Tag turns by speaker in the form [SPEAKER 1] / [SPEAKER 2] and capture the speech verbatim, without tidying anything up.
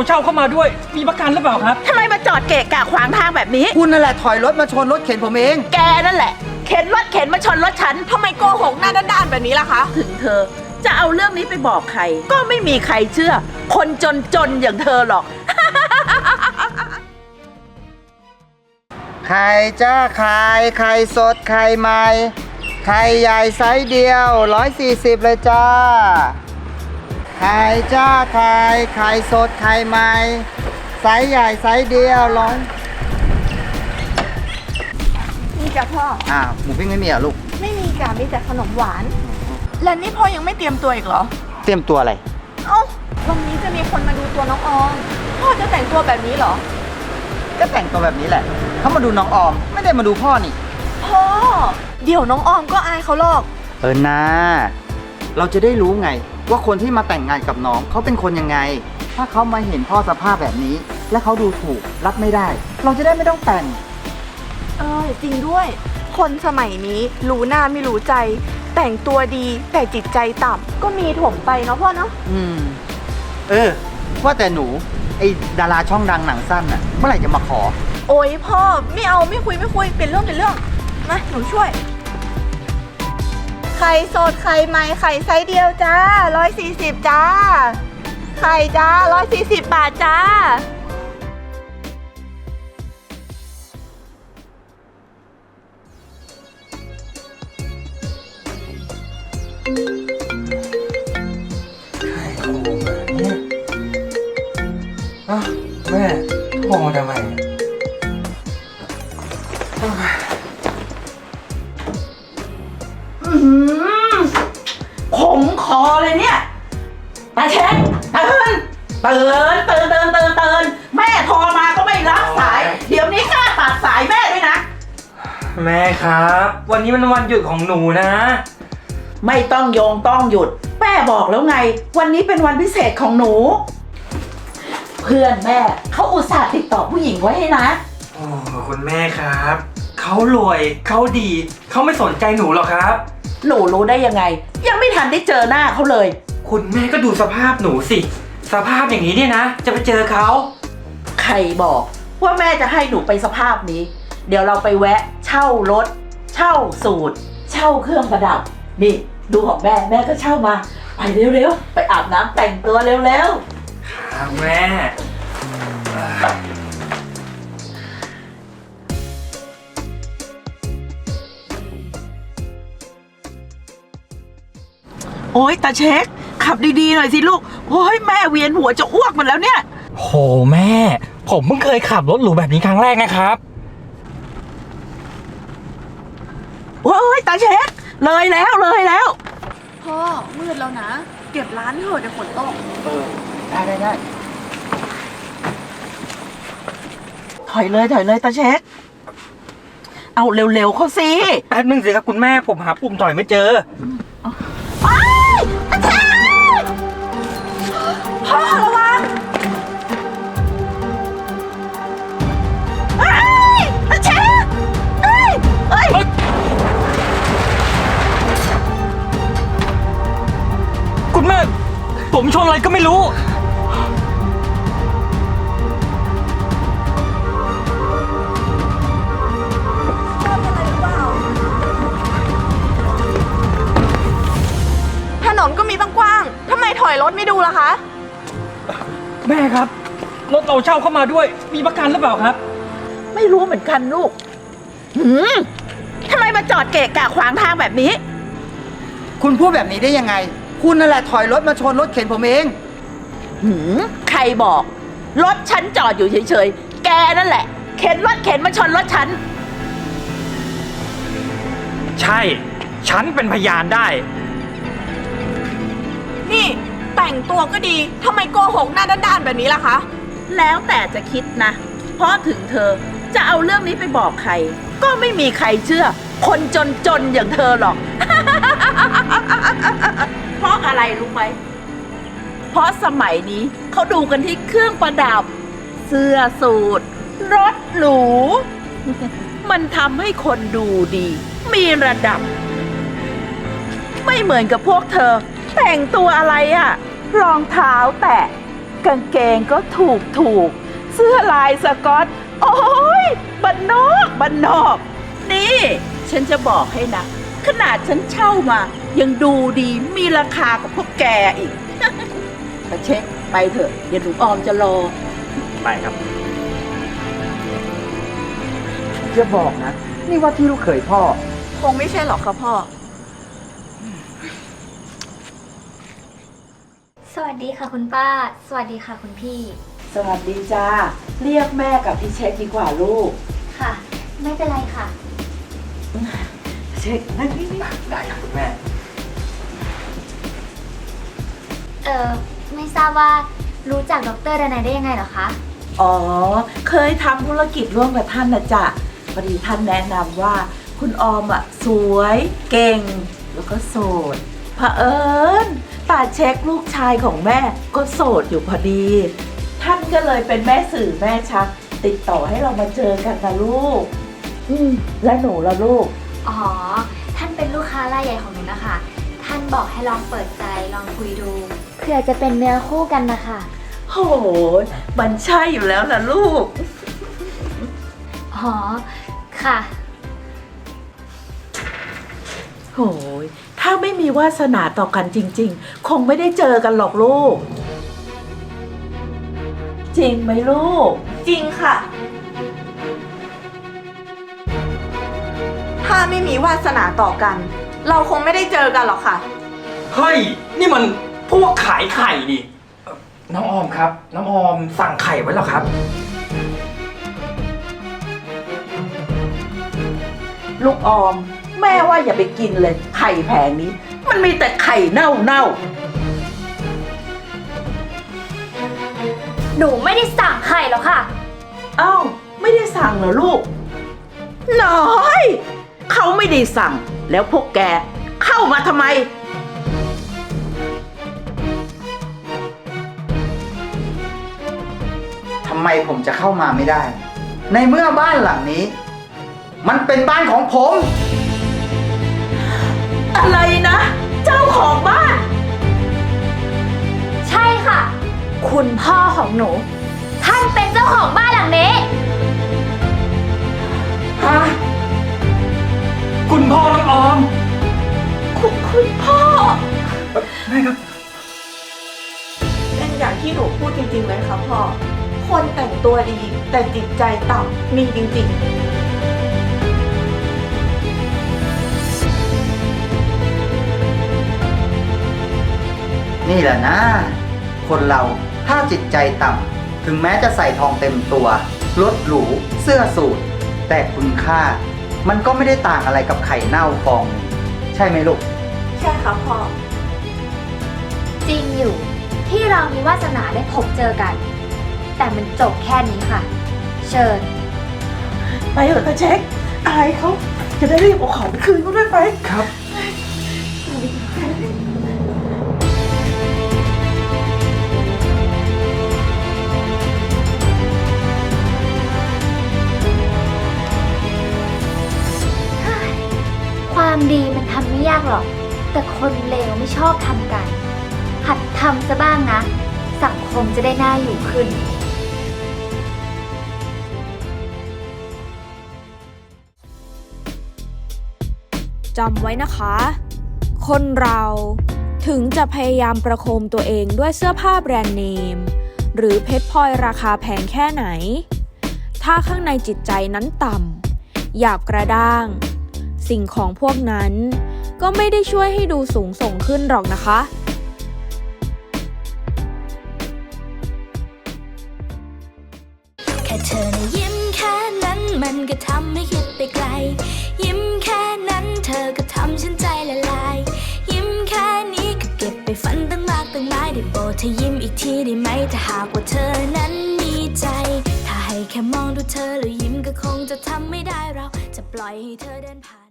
[SPEAKER 1] เช่าเข้ามาด้วยมีประกันหรือเปล่าครับ
[SPEAKER 2] ทำไมมาจอดเกะกะขวางทางแบบนี้
[SPEAKER 3] คุณนั่นแหละถอยรถมาชนรถเข็นผมเอง
[SPEAKER 2] แกนั่นแหละเข็นรถเข็นมาชนรถฉันทำไมโกหกหน้าด้านๆแบบนี้ล่ะคะถึงเธอจะเอาเรื่องนี้ไปบอกใครก็ไม่มีใครเชื่อคนจนๆอย่างเธอหรอก
[SPEAKER 3] ไข่จ้าไข่ไข่สดไข่ใหม่ไข่ใหญ่ไซส์เดียวร้อยสี่สิบเลยจ้าไข่จ้าไข่ไข่สดไข่ใหม่ไซส์ใหญ่ไซส์เดียวร้อย
[SPEAKER 4] นี่จ้ะพ่อ
[SPEAKER 3] อ้าวหมูปิ้งไม่มีเหรอลูก
[SPEAKER 4] ไม่มีจ้ะมีแต่ขนมหวาน และนี่พ่อยังไม่เตรียมตัวอีกเหรอ
[SPEAKER 3] เตรียมตัวอะไร
[SPEAKER 4] เอ้าวันนี้จะมีคนมาดูตัวน้องออมพ่อจะแต่งตัวแบบนี้เหรอ
[SPEAKER 3] ก็แต่งตัวแบบนี้แหละเขามาดูน้องออมไม่ได้มาดูพ่อนี่
[SPEAKER 4] พ่อเดี๋ยวน้องออมก็อายเขาหรอก
[SPEAKER 3] เออนะเราจะได้รู้ไงว่าคนที่มาแต่งงานกับน้องเขาเป็นคนยังไงถ้าเขามาเห็นพ่อสภาพแบบนี้และเขาดูถูกรับไม่ได้เราจะได้ไม่ต้องแต่ง
[SPEAKER 4] เออจริงด้วยคนสมัยนี้รู้หน้าไม่รู้ใจแต่งตัวดีแต่จิตใจต่ำก็มีถมไปเนาะพ่อเนาะ
[SPEAKER 3] อืมเออว่าแต่หนูไอ้ดาราช่องดังหนังสั้นน่ะเมื่อไหร่จะมาขอ
[SPEAKER 4] โอ้ยพ่อไม่เอาไม่คุยไม่คุยเป็นเรื่องเป็นเรื่องมาหนูช่วยไข่สดไข่ใหม่ไข่ไซส์เดียวจ้าร้อยสี่สิบจ้าไข่จ้าร้อยสี่สิบบาทจ้า
[SPEAKER 1] ใครโทรมาเนี่ยอ้าวแม่โทรมาทำไม
[SPEAKER 2] ขมคอเลยเนี่ยตาเช็คตื่นตื่นตื่นตื่นตื่นตื่นแม่โทรมาก็ไม่รับสายเดี๋ยวนี้กล้าตัดสายแม่ด้วยนะ
[SPEAKER 1] แม่ครับวันนี้มันวันหยุดของหนูนะ
[SPEAKER 2] ไม่ต้องโยงต้องหยุดแม่บอกแล้วไงวันนี้เป็นวันพิเศษของหนูเพื่อนแม่เขาอุตส่าห์ติดต่อผู้หญิงไว้ให้นะ
[SPEAKER 1] โอ้คุณแม่ครับเขารวยเขาดีเขาไม่สนใจหนูหรอกครับ
[SPEAKER 2] หนูรู้ได้ยังไงยังไม่ทันได้เจอหน้าเขาเลย
[SPEAKER 1] คุณแม่ก็ดูสภาพหนูสิสภาพอย่างนี้เนี่ยนะจะไปเจอเขา
[SPEAKER 2] ใครบอกว่าแม่จะให้หนูไปสภาพนี้เดี๋ยวเราไปแวะเช่ารถเช่าสูตรเช่าเครื่องประดับนี่ดูของแม่แม่ก็เช่ามาไปเร็วๆไปอาบน้ำแต่งตัวเร็ว
[SPEAKER 1] ๆครับแม่
[SPEAKER 2] โอ๊ยตาเช็คขับดีๆหน่อยสิลูกโอ๊ยแม่เวียนหัวจะอ้วกมันแล้วเนี่ย
[SPEAKER 1] โหแม่ผมเพิ่งเคยขับรถหรูแบบนี้ครั้งแรกนะครับ
[SPEAKER 2] โอ๊ยตาเช็คเลยแล้วเลยแล้ว
[SPEAKER 4] พ่อมืดแล้วนะเก็บร้านเถอะเดี๋ยวฝนตก
[SPEAKER 3] เออได้ได้ได้
[SPEAKER 2] ถอยเลยถอยเลยตาเช็คเอาเร็วๆเขาสิ
[SPEAKER 1] แป๊บนึงสิครับคุณแม่ผมหาปุ่มถอยไม่เจอ
[SPEAKER 2] พ่อระวังเฮ้ยตาเช็คเฮ้ยเฮ้ย
[SPEAKER 1] คุณแม่ผมชนอะไรก็ไม่รู้
[SPEAKER 4] ถนนก็มีตั้งกว้างทำไมถอยรถไม่ดูล่ะคะ
[SPEAKER 1] แม่ครับรถเราเช่าเข้ามาด้วยมีประกันหรือเปล่าครับ
[SPEAKER 2] ไม่รู้เหมือนกันลูกหืมทำไมมาจอดเกะกะขวางทางแบบนี้
[SPEAKER 3] คุณพูดแบบนี้ได้ยังไงคุณนั่นแหละถอยรถมาชนรถเข็นผมเอง
[SPEAKER 2] หืมใครบอกรถฉันจอดอยู่เฉยๆแกนั่นแหละเข็นรถเข็นมาชนรถฉัน
[SPEAKER 1] ใช่ฉันเป็นพยานได้
[SPEAKER 4] นี่แต่งตัวก็ดีทำไมโกหกหน้าด้านๆแบบนี้ล่ะคะ
[SPEAKER 2] แล้วแต่จะคิดนะเพราะถึงเธอจะเอาเรื่องนี้ไปบอกใครก็ไม่มีใครเชื่อคนจนๆอย่างเธอหรอก เพราะอะไรรู้ไหมเพราะสมัยนี้เขาดูกันที่เครื่องประดับเสื้อสูทรถหรู มันทำให้คนดูดีมีระดับไม่เหมือนกับพวกเธอแต่งตัวอะไรอะรองเท้าแตะกางเกงก็ถูกถูกเสื้อลายสก๊อตโอ้ยบันนอกบันนอก นี่ ฉันจะบอกให้นะ ขนาดฉันเช่ามา ยังดูดีมีราคากว่าพวกแกอีก มาเช็คไปเถอะเดี๋ยวหนูออมจะรอ
[SPEAKER 1] ไปครับ
[SPEAKER 3] จะบอกนะ นี่ว่าที่ลูกเขยพ่อ
[SPEAKER 4] คงไม่ใช่หรอกค่ะพ่อ
[SPEAKER 5] สวัสดีค่ะคุณป้า สวัสดีค่ะคุณพี่
[SPEAKER 2] สวัสดีจ้า เรียกแม่กับพี่เช็คดีกว่าลูก
[SPEAKER 5] ค่ะ ไม่เป็นไรค่ะ
[SPEAKER 2] เช็คนั่งนี่นี่
[SPEAKER 1] ได้ครับคุณแม่
[SPEAKER 5] เอ่อ ไม่ทราบว่ารู้จักดรดนัยได้ยังไงเหรอคะ
[SPEAKER 2] อ๋อ เคยทำธุรกิจร่วมกับท่านนะจ๊ะพอดีท่านแนะนำว่า คุณออมอ่ะสวยเก่ง แล้วก็โสดเผอิญตาเช็คลูกชายของแม่ก็โสดอยู่พอดี ท่านก็เลยเป็นแม่สื่อแม่ชัก ติดต่อให้เรามาเจอกันนะลูก อืมและหนูละลูก
[SPEAKER 5] อ๋อ ท่านเป็นลูกค้ารายใหญ่ของหนูนะคะ ท่านบอกให้ลองเปิดใจลองคุยดู เพื่อจะเป็นเนื้อคู่กันนะคะ
[SPEAKER 2] โหยมันใช่อยู่แล้วล่ะลูก
[SPEAKER 5] อ๋อ ค่ะ
[SPEAKER 2] โหยถ้าไม่มีวาสนาต่อกันจริงๆ คงไม่ได้เจอกันหรอกลูก จริงไหมลูก
[SPEAKER 4] จริงค่ะ ถ้าไม่มีวาสนาต่อกัน เราคงไม่ได้เจอกันหรอกค่ะ
[SPEAKER 1] เฮ้ย นี่มันพวกขายไข่ดิเอ่อน้องออมครับ น้องออมสั่งไข่ไว้แล้วครับ
[SPEAKER 2] ลูกออม แม่ว่าอย่าไปกินเลย ไข่แผงนี้ มันมีแต่ไข่เน่าเน่า
[SPEAKER 5] หนูไม่ได้สั่งไข่หรอกค่ะ
[SPEAKER 2] ๆเอ้า ไม่ได้สั่งเหรอลูก น้อย เขาไม่ได้สั่ง แล้วพวกแกเข้ามาทำไม
[SPEAKER 3] ทำไมผมจะเข้ามาไม่ได้ ในเมื่อบ้านหลังนี้ มันเป็นบ้านของผม
[SPEAKER 2] อะไรนะ เจ้าของบ้าน
[SPEAKER 5] ใช่ค่ะ คุณพ่อของหนู ท่านเป็นเจ้าของบ้านหลังนี้
[SPEAKER 1] ฮะ คุณพ่อน้องออม
[SPEAKER 2] คุณคุณพ่อ
[SPEAKER 1] แม่ครับ
[SPEAKER 4] เป็นอย่างที่หนูพูดจริงๆไหมคะพ่อ คนแต่งตัวดีแต่จิตใจต่ำมีจริงๆ
[SPEAKER 3] นี่แหละนะ คนเราถ้าจิตใจต่ำถึงแม้จะใส่ทองเต็มตัว รถหรู เสื้อสูทแต่คุณค่า มันก็ไม่ได้ต่างอะไรกับไข่เน่าฟองหนึ่งใช่ไหมลูก
[SPEAKER 4] ใช่ค่ะพ่อ
[SPEAKER 5] จริงอยู่ที่เรามีวาสนาได้พบเจอกัน แต่มันจบแค่นี้ค่ะ เชิญ
[SPEAKER 2] ไปเถอะตาเช็ค อายเขาจะได้รีบเอาของไปคืนเขาด้วยไป
[SPEAKER 1] ครับ
[SPEAKER 5] ความดีมันทำไม่ยากหรอก แต่คนเลวไม่ชอบทำกัน หัดทำซะบ้างนะ สังคมจะได้น่าอยู่ขึ้น
[SPEAKER 6] จำไว้นะคะ คนเราถึงจะพยายามประโคมตัวเองด้วยเสื้อผ้าแบรนด์เนม หรือเพชรพลอยราคาแพงแค่ไหน ถ้าข้างในจิตใจนั้นต่ำหยาบกระด้าง สิ่งของพวกนั้นก็ไม่ได้ช่วยให้ดูสูงส่งขึ้นหรอกนะคะ
[SPEAKER 7] แค่เธอนะยิ้มแค่นั้นมันก็ทำให้คิดไปไกล ยิ้มแค่นั้นเธอก็ทำฉันใจละลาย ยิ้มแค่นี้ก็เก็บไปฝันตั้งมากตั้งหลายได้โปรดเธอยิ้มอีกทีได้ไหมถ้าหากว่าเธอนั้นมีใจ ถ้าให้แค่มองดูเธอแล้วยิ้มก็คงจะทำไม่ได้เราจะปล่อยให้เธอเดินผ่าน